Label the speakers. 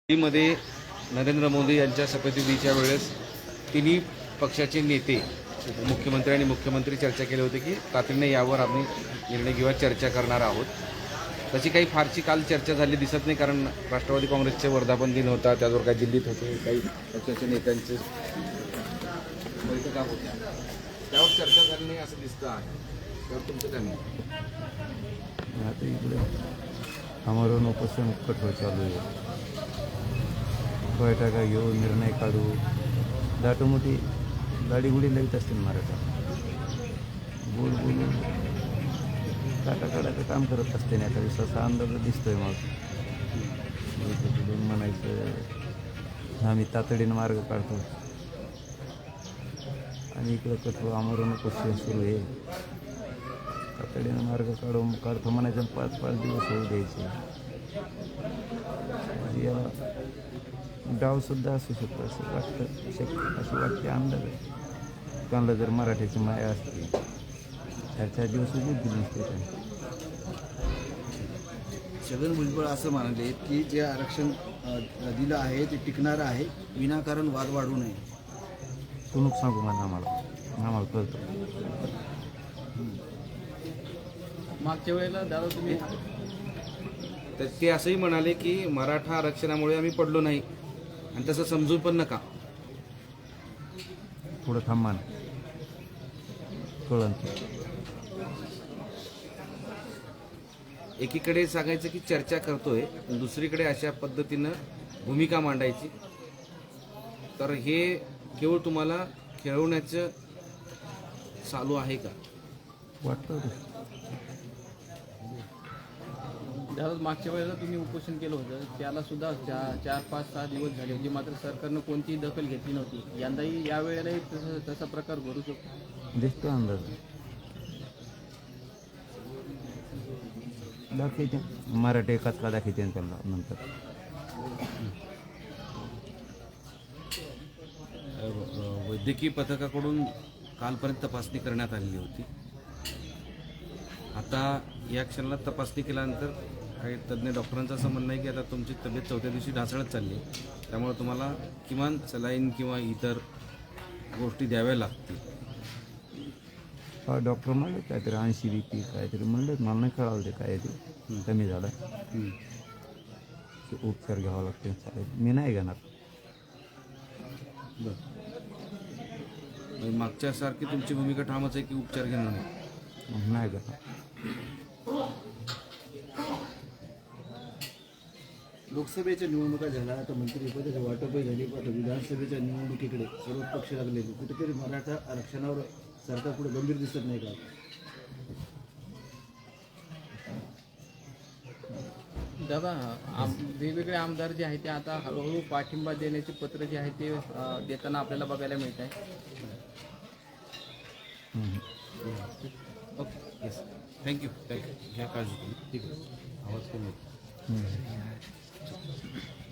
Speaker 1: मध्ये नरेंद्र मोदी यांच्या शपथविधीच्या वेळेस तिन्ही पक्षाचे नेते उपमुख्यमंत्री आणि मुख्यमंत्री चर्चा केली होती की तातडीने यावर आम्ही निर्णय किंवा चर्चा करणार आहोत. तशी काही फारशी काल चर्चा झाली दिसत नाही, कारण राष्ट्रवादी काँग्रेसचे वर्धापन दिन होता, त्यावर काही दिल्लीत होते, काही पक्षाच्या नेत्यांचे बैठका होत्या, त्यावर चर्चा झाली नाही असं दिसतं आहे. त्यावर तुमचं काय म्हणणं?
Speaker 2: आता इकडे आमरण उपोषण कठोर चालू आहे. बैठका घेऊ, निर्णय काढू, दाटोमोठी गाडीगुडी लावित असतील मराठा. बोल बोलून काटाकाटाचं काम करत असते नाही. आता दिवसाचा अंदाज दिसतोय. मग म्हणायचं आम्ही तातडीनं मार्ग काढतो आणि इकडं कठोर आमरण उपोषण सुरू आहे. तातडीनं मार्ग काढतो म्हणायचं, 5-5 दिवस होऊ द्यायचे. याला डावसुद्धा असू शकतो असं वाटतं, अशी वाटते अंदाज आहे. कोणाला जर मराठीची माया असते 4-4 दिवस उभीच दिली नसते त्यांनी.
Speaker 3: छगन भुजबळ असं म्हणाले की जे आरक्षण दिलं आहे ते टिकणारं आहे, विनाकारण वाद वाढू नये.
Speaker 2: तू सांगू म्हणा आम्हाला कळतं.
Speaker 4: मागच्या वेळेला दादा तुम्ही
Speaker 1: तर ते असंही म्हणाले की मराठा आरक्षणामुळे आम्ही पडलो नाही आणि तसं समजू पण नका.
Speaker 2: थोडं थांबा ना, कळलं.
Speaker 1: एकीकडे सांगायचं की चर्चा करतोय, दुसरीकडे अशा पद्धतीनं भूमिका मांडायची, तर हे केवळ तुम्हाला खेळवण्याचं चालू आहे का
Speaker 2: वाटतं.
Speaker 4: दादा मागच्या वेळेला तुम्ही उपोषण केलं होतं, त्याला सुद्धा 4-5-6 दिवस झाले होते, मात्र सरकारनं कोणतीही दखल घेतली नव्हती. यंदाही या वेळेलाही तसा प्रकार घडू शकतो.
Speaker 2: दिसतो अंदाज. दाखवते मराठी कचका दाखवते त्यांना नंतर.
Speaker 1: वैद्यकीय पथकाकडून कालपर्यंत तपासणी करण्यात आलेली होती. आता या क्षणाला तपासणी केल्यानंतर काही तज्ज्ञ डॉक्टरांचं असं म्हणणं आहे की आता तुमची तब्येत 4थ्या दिवशी ढासळत चालली आहे, त्यामुळे तुम्हाला किमान सलाईन किंवा इतर गोष्टी द्याव्या लागतील.
Speaker 2: हा डॉक्टर म्हणले काहीतरी 80 BP काहीतरी म्हणले, मला नाही कळालं ते काय ते कमी झालं. उपचार घ्यावा लागते. चालेल, मी नाही घेणार.
Speaker 1: बरं, मागच्या सारखी तुमची भूमिका ठामच आहे की उपचार घेणार नाही?
Speaker 2: नाही घेणार.
Speaker 3: लोकसभेच्या निवडणुका झाल्या, आता मंत्रिपदाचे वाटपही झाली, आता विधानसभेच्या निवडणुकीकडे सर्व पक्ष लागले. कुठेतरी मराठा आरक्षणावर सरकार पुढे गंभीर दिसत नाही का?
Speaker 4: दादा वेगवेगळे आमदार जे आहेत ते आता हळूहळू पाठिंबा देण्याचे पत्र जे आहे ते देताना आपल्याला बघायला मिळत आहे.
Speaker 1: Okay, yes, thank you. घ्या काळजी. ठीक आहे, आवाज कमी होतो.